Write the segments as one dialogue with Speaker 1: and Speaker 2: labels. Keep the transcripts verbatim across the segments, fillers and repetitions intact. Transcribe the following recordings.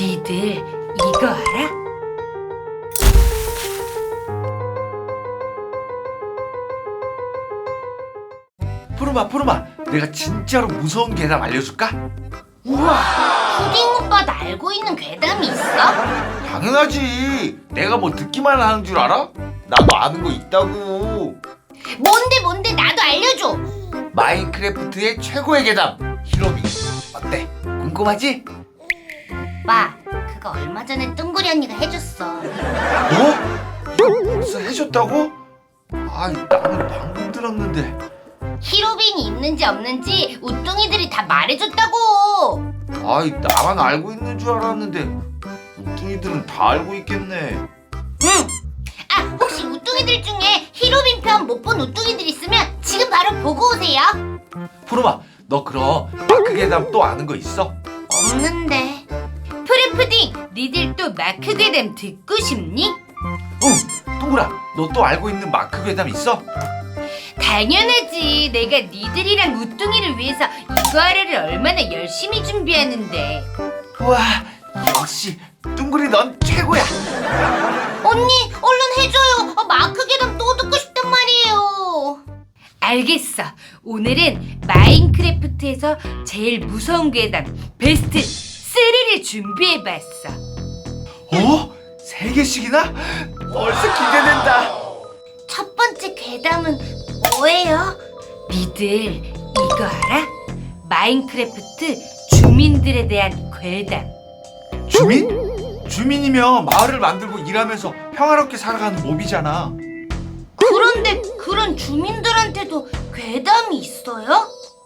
Speaker 1: 니들 이거 알아?
Speaker 2: 푸르마 푸르마, 내가 진짜로 무서운 괴담 알려줄까?
Speaker 3: 우와, 푸딩 오빠도 알고 있는 괴담이 있어?
Speaker 2: 당연하지. 내가 뭐 듣기만 하는 줄 알아? 나도 아는 거 있다고.
Speaker 3: 뭔데 뭔데 나도 알려줘.
Speaker 2: 마인크래프트의 최고의 괴담, 히로비. 어때? 궁금하지?
Speaker 3: 오빠, 그거 얼마 전에 뚱구리 언니가 해줬어.
Speaker 2: 뭐? 이거 벌써 해줬다고? 아, 나는 방금 들었는데.
Speaker 3: 히로빈이 있는지 없는지 우뚱이들이 다 말해줬다고.
Speaker 2: 아이, 나만 알고 있는 줄 알았는데 우뚱이들은 다 알고 있겠네.
Speaker 3: 응. 아, 혹시 우뚱이들 중에 히로빈 편 못 본 우뚱이들 있으면 지금 바로 보고 오세요.
Speaker 2: 푸르마, 너 그럼 마크 괴담 또 아는 거 있어?
Speaker 3: 없는데.
Speaker 1: 푸르푸딩, 니들 또 마크 괴담 듣고 싶니?
Speaker 2: 응. 동그라, 너 또 알고 있는 마크 괴담 있어?
Speaker 1: 당연하지. 내가 니들이랑 우뚱이를 위해서 이거 하루를 얼마나 열심히 준비하는데.
Speaker 2: 우와, 역시 둥그리 넌 최고야.
Speaker 3: 언니, 얼른 해줘요. 아, 마크 괴담 또 듣고 싶단 말이에요.
Speaker 1: 알겠어. 오늘은 마인크래프트에서 제일 무서운 괴담 베스트 삼을 준비해봤어.
Speaker 2: 어? 세 개씩이나? 벌써 기대된다.
Speaker 3: 첫 번째 괴담은 뭐예요?
Speaker 1: 니들 이거 알아? 마인크래프트 주민들에 대한 괴담.
Speaker 2: 주민? 주민이면 마을을 만들고 일하면서 평화롭게 살아가는 몹이잖아.
Speaker 3: 그런데 그런 주민들한테도 괴담이 있어요?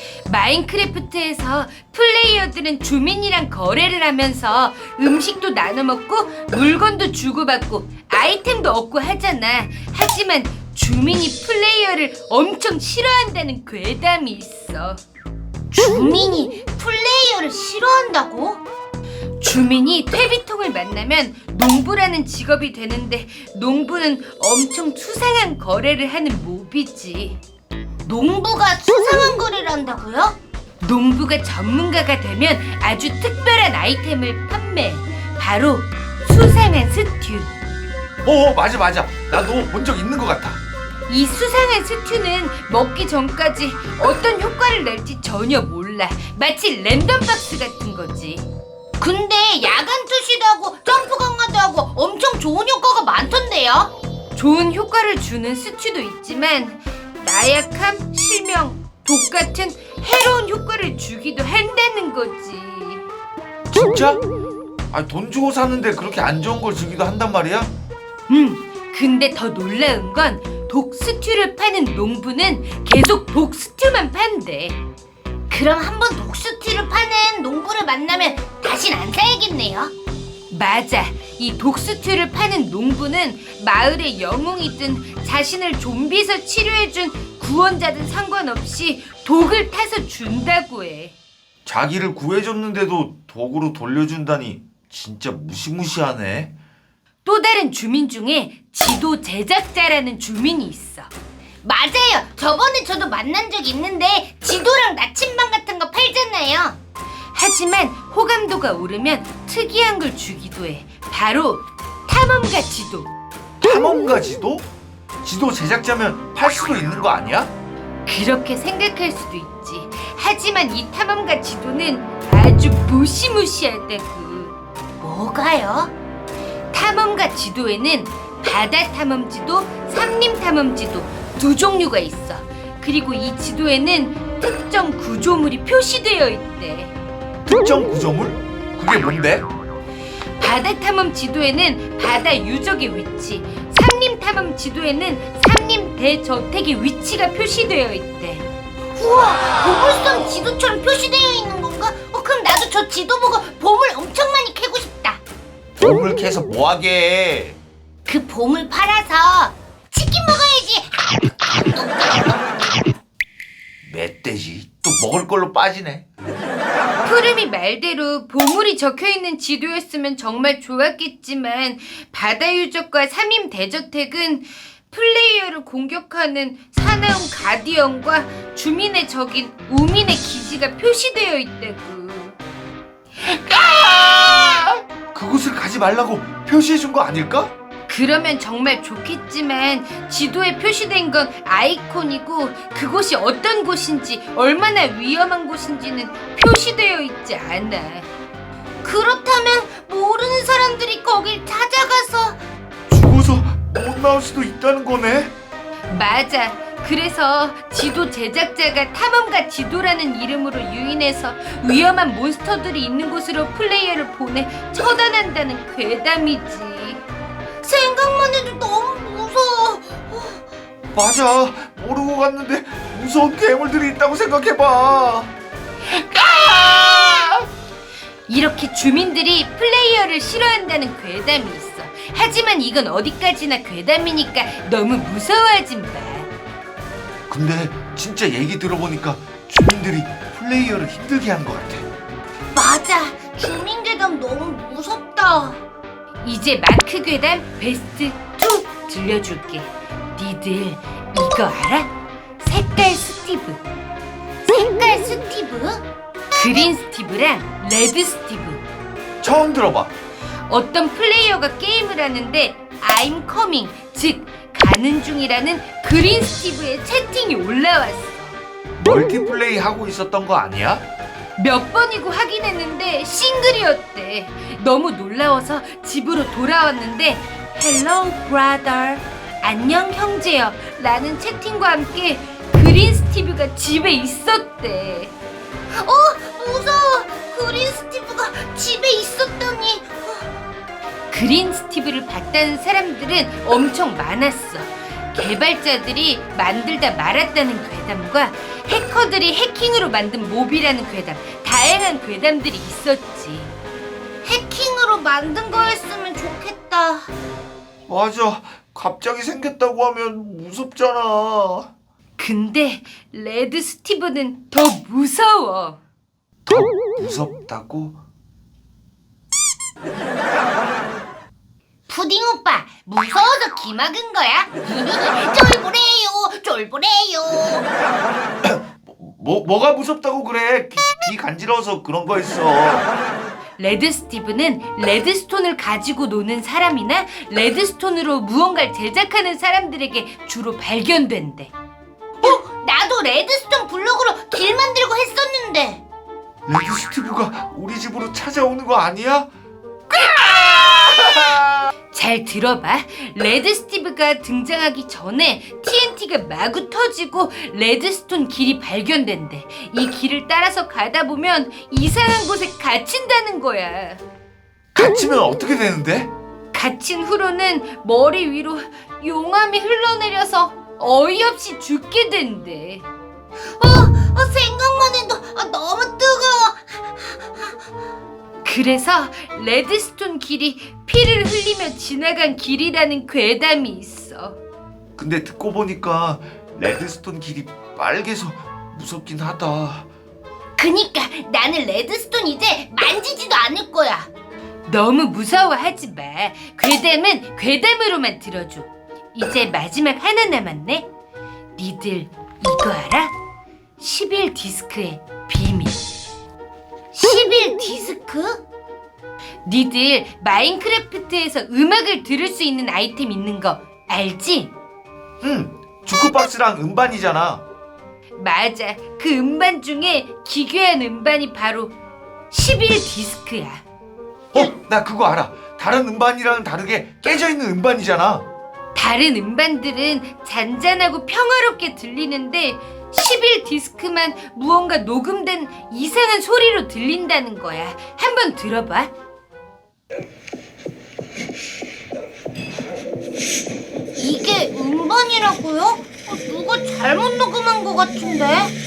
Speaker 1: 마인크래프트에서 플레이어들은 주민이랑 거래를 하면서 음식도 나눠 먹고 물건도 주고받고 아이템도 얻고 하잖아. 하지만 주민이 플레이어를 엄청 싫어한다는 괴담이 있어.
Speaker 3: 주민이 플레이어를 싫어한다고?
Speaker 1: 주민이 퇴비통을 만나면 농부라는 직업이 되는데 농부는 엄청 수상한 거래를 하는 몹이지.
Speaker 3: 농부가 수상한 거래를 한다고요?
Speaker 1: 농부가 전문가가 되면 아주 특별한 아이템을 판매. 바로 수상한 스튜.
Speaker 2: 어, 맞아 맞아. 나도 본 적 있는 것 같아.
Speaker 1: 이 수상한 스튜는 먹기 전까지 어떤 효과를 낼지 전혀 몰라. 마치 랜덤 박스 같은 거지.
Speaker 3: 근데 야간 투시도 하고 점프 강화도 하고 엄청 좋은 효과가 많던데요?
Speaker 1: 좋은 효과를 주는 스튜도 있지만 나약함, 실명, 독 같은 해로운 효과를 주기도 한다는 거지.
Speaker 2: 진짜? 아, 돈 주고 사는데 그렇게 안 좋은 걸 주기도 한단 말이야?
Speaker 1: 음, 근데 더 놀라운 건 독 스튜를 파는 농부는 계속 독 스튜만 판대.
Speaker 3: 그럼 한번 독스티를 파는 농부를 만나면 다신 안 사야겠네요.
Speaker 1: 맞아. 이 독스튜를 파는 농부는 마을의 영웅이든 자신을 좀비에서 치료해준 구원자든 상관없이 독을 타서 준다고 해.
Speaker 2: 자기를 구해줬는데도 독으로 돌려준다니 진짜 무시무시하네.
Speaker 1: 또 다른 주민 중에 지도 제작자라는 주민이 있어.
Speaker 3: 맞아요. 저번에 저도 만난 적 있는데 지도랑 나침반 같은 거 팔잖아요.
Speaker 1: 하지만 호감도가 오르면 특이한 걸 주기도 해. 바로 탐험가 지도.
Speaker 2: 탐험가 지도? 지도 제작자면 팔 수도 있는 거 아니야?
Speaker 1: 그렇게 생각할 수도 있지. 하지만 이 탐험가 지도는 아주 무시무시하다고.
Speaker 3: 뭐가요?
Speaker 1: 탐험가 지도에는 바다 탐험 지도, 산림 탐험 지도 두 종류가 있어. 그리고 이 지도에는 특정 구조물이 표시되어 있대.
Speaker 2: 특정 구조물? 그게 뭔데?
Speaker 1: 바다 탐험 지도에는 바다 유적의 위치, 산림 탐험 지도에는 산림 대저택의 위치가 표시되어 있대.
Speaker 3: 우와, 보물섬 지도처럼 표시되어 있는 건가? 어, 그럼 나도 저 지도 보고 보물 엄청 많이 캐고 싶다.
Speaker 2: 보물 캐서 뭐하게?
Speaker 3: 그 보물 팔아서 치킨 먹어야지.
Speaker 2: 멧돼지 또 먹을 걸로 빠지네.
Speaker 1: 푸름이 말대로 보물이 적혀있는 지도였으면 정말 좋았겠지만 바다 유적과 삼림 대저택은 플레이어를 공격하는 사나운 가디언과 주민의 적인 우민의 기지가 표시되어 있다고.
Speaker 3: 아!
Speaker 2: 가지 말라고 표시해 준 거 아닐까?
Speaker 1: 그러면 정말 좋겠지만 지도에 표시된 건 아이콘이고 그곳이 어떤 곳인지 얼마나 위험한 곳인지는 표시되어 있지 않아.
Speaker 3: 그렇다면 모르는 사람들이 거길 찾아가서
Speaker 2: 죽어서 못 나올 수도 있다는 거네.
Speaker 1: 맞아. 그래서 지도 제작자가 탐험가 지도라는 이름으로 유인해서 위험한 몬스터들이 있는 곳으로 플레이어를 보내 처단한다는 괴담이지.
Speaker 3: 생각만 해도 너무 무서워.
Speaker 2: 맞아. 모르고 갔는데 무서운 괴물들이 있다고 생각해봐.
Speaker 1: 이렇게 주민들이 플레이어를 싫어한다는 괴담이 있어. 하지만 이건 어디까지나 괴담이니까 너무 무서워하지 마.
Speaker 2: 근데 진짜 얘기 들어보니까 주민들이 플레이어를 힘들게 한 것 같아.
Speaker 3: 맞아. 주민괴담 너무 무섭다.
Speaker 1: 이제 마크 괴담 베스트 투 들려줄게. 니들 이거 알아? 색깔 스티브,
Speaker 3: 색깔 스티브?
Speaker 1: 그린 스티브랑 레드 스티브.
Speaker 2: 처음 들어봐.
Speaker 1: 어떤 플레이어가 게임을 하는데 I'm coming, 즉 가는 중이라는 그린 스티브의 채팅이 올라왔어.
Speaker 2: 멀티플레이 하고 있었던 거 아니야?
Speaker 1: 몇 번이고 확인했는데 싱글이었대. 너무 놀라워서 집으로 돌아왔는데 Hello brother, 안녕 형제여 라는 채팅과 함께 그린 스티브가 집에 있었대.
Speaker 3: 어, 무서워. 그린 스티브가 집에 있었다니.
Speaker 1: 그린 스티브를 봤다는 사람들은 엄청 많았어. 개발자들이 만들다 말았다는 괴담과 해커들이 해킹으로 만든 몹이라는 괴담, 다양한 괴담들이 있었지.
Speaker 3: 해킹으로 만든 거였으면 좋겠다.
Speaker 2: 맞아. 갑자기 생겼다고 하면 무섭잖아.
Speaker 1: 근데 레드 스티브는 더 무서워.
Speaker 2: 더 무섭다고?
Speaker 3: 푸딩 오빠, 무서워서 기막은 거야? 쫄보래요, 쫄보래요.
Speaker 2: 뭐, 뭐가 무섭다고 그래? 귀, 귀 간지러워서 그런 거였어.
Speaker 1: 레드 스티브는 레드스톤을 가지고 노는 사람이나 레드스톤으로 무언가를 제작하는 사람들에게 주로 발견된대.
Speaker 3: 어, 나도 레드스톤 블록으로 길 만들고 했었는데.
Speaker 2: 레드 스티브가 우리 집으로 찾아오는 거 아니야?
Speaker 1: 잘 들어봐. 레드 스티브가 등장하기 전에 티엔티가 마구 터지고 레드스톤 길이 발견된대. 이 길을 따라서 가다 보면 이상한 곳에 갇힌다는 거야.
Speaker 2: 갇히면 어떻게 되는데?
Speaker 1: 갇힌 후로는 머리 위로 용암이 흘러내려서 어이없이 죽게 된대.
Speaker 3: 어, 어 생각만 해도 아, 너무 뜨거워.
Speaker 1: 그래서 레드스톤 길이 피를 흘리며 지나간 길이라는 괴담이 있어.
Speaker 2: 근데 듣고 보니까 레드스톤 길이 빨개서 무섭긴 하다.
Speaker 3: 그니까 나는 레드스톤 이제 만지지도 않을 거야.
Speaker 1: 너무 무서워하지 마. 괴담은 괴담으로만 들어줘. 이제 마지막 하나 남았네. 니들 이거 알아? 십일 디스크의 비밀.
Speaker 3: 십일 디스크?
Speaker 1: 니들 마인크래프트에서 음악을 들을 수 있는 아이템 있는 거 알지?
Speaker 2: 응, 주크박스랑 음반이잖아.
Speaker 1: 맞아. 그 음반 중에 기괴한 음반이 바로 십일 디스크야.
Speaker 2: 어, 나 그거 알아. 다른 음반이랑 다르게 깨져있는 음반이잖아.
Speaker 1: 다른 음반들은 잔잔하고 평화롭게 들리는데 십일 디스크만 무언가 녹음된 이상한 소리로 들린다는 거야. 한번 들어봐.
Speaker 3: 이게 음반이라고요? 어, 누가 잘못 녹음한 것 같은데?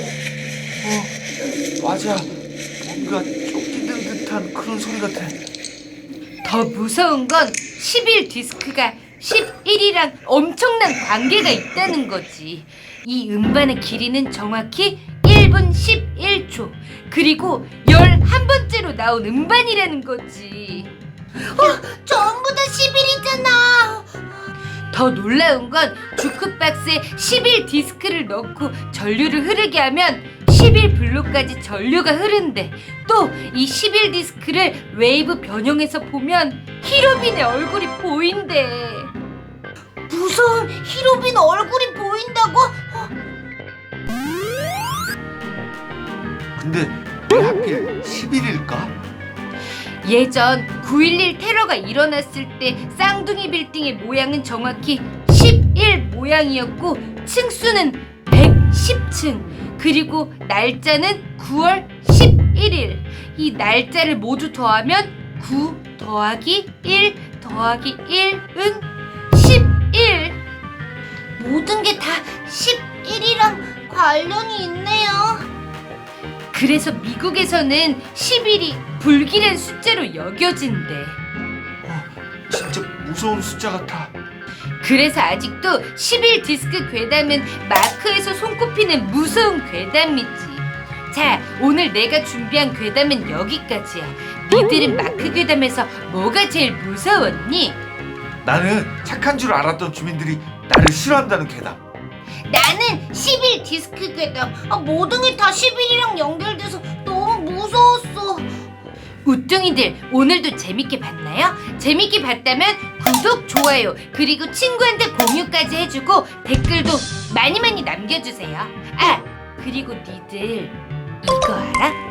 Speaker 2: 어, 맞아. 뭔가 쫓기는 듯한 그런 소리 같아.
Speaker 1: 더 무서운 건 십일 디스크가 십일이랑 엄청난 관계가 있다는 거지. 이 음반의 길이는 정확히 일 분 십일 초. 그리고 열한 번째로 나온 음반이라는 거지.
Speaker 3: 어, 전부 다 십일이잖아.
Speaker 1: 더 놀라운 건 주크박스에 십일 디스크를 넣고 전류를 흐르게 하면 십일 블록까지 전류가 흐른대. 또 이 십일 디스크를 웨이브 변형해서 보면 히로빈의 얼굴이 보인대.
Speaker 3: 무서운 히로빈 얼굴이 보인다고?
Speaker 2: 근데 왜 하필 십일일까?
Speaker 1: 예전 구일일 테러가 일어났을 때 쌍둥이 빌딩의 모양은 정확히 십일 모양이었고 층수는 백십 층, 그리고 날짜는 구월 십일일. 이 날짜를 모두 더하면 구 더하기 일 더하기 일은 십일.
Speaker 3: 모든 게 다 십일이랑 관련이 있네요.
Speaker 1: 그래서 미국에서는 십일이 불길한 숫자로 여겨진대.
Speaker 2: 어, 진짜 무서운 숫자 같아.
Speaker 1: 그래서 아직도 십일 디스크 괴담은 마크에서 손꼽히는 무서운 괴담이지. 자, 오늘 내가 준비한 괴담은 여기까지야. 니들은 마크 괴담에서 뭐가 제일 무서웠니?
Speaker 2: 나는 착한 줄 알았던 주민들이 나를 싫어한다는 괴담.
Speaker 3: 나는 십일 디스크 괴담. 아, 모든 게 다 십일이랑 연결돼서 너무 무서웠어.
Speaker 1: 우뚱이들, 오늘도 재밌게 봤나요? 재밌게 봤다면 구독, 좋아요, 그리고 친구한테 공유까지 해주고 댓글도 많이 많이 남겨주세요. 아, 그리고 니들 이거 알아?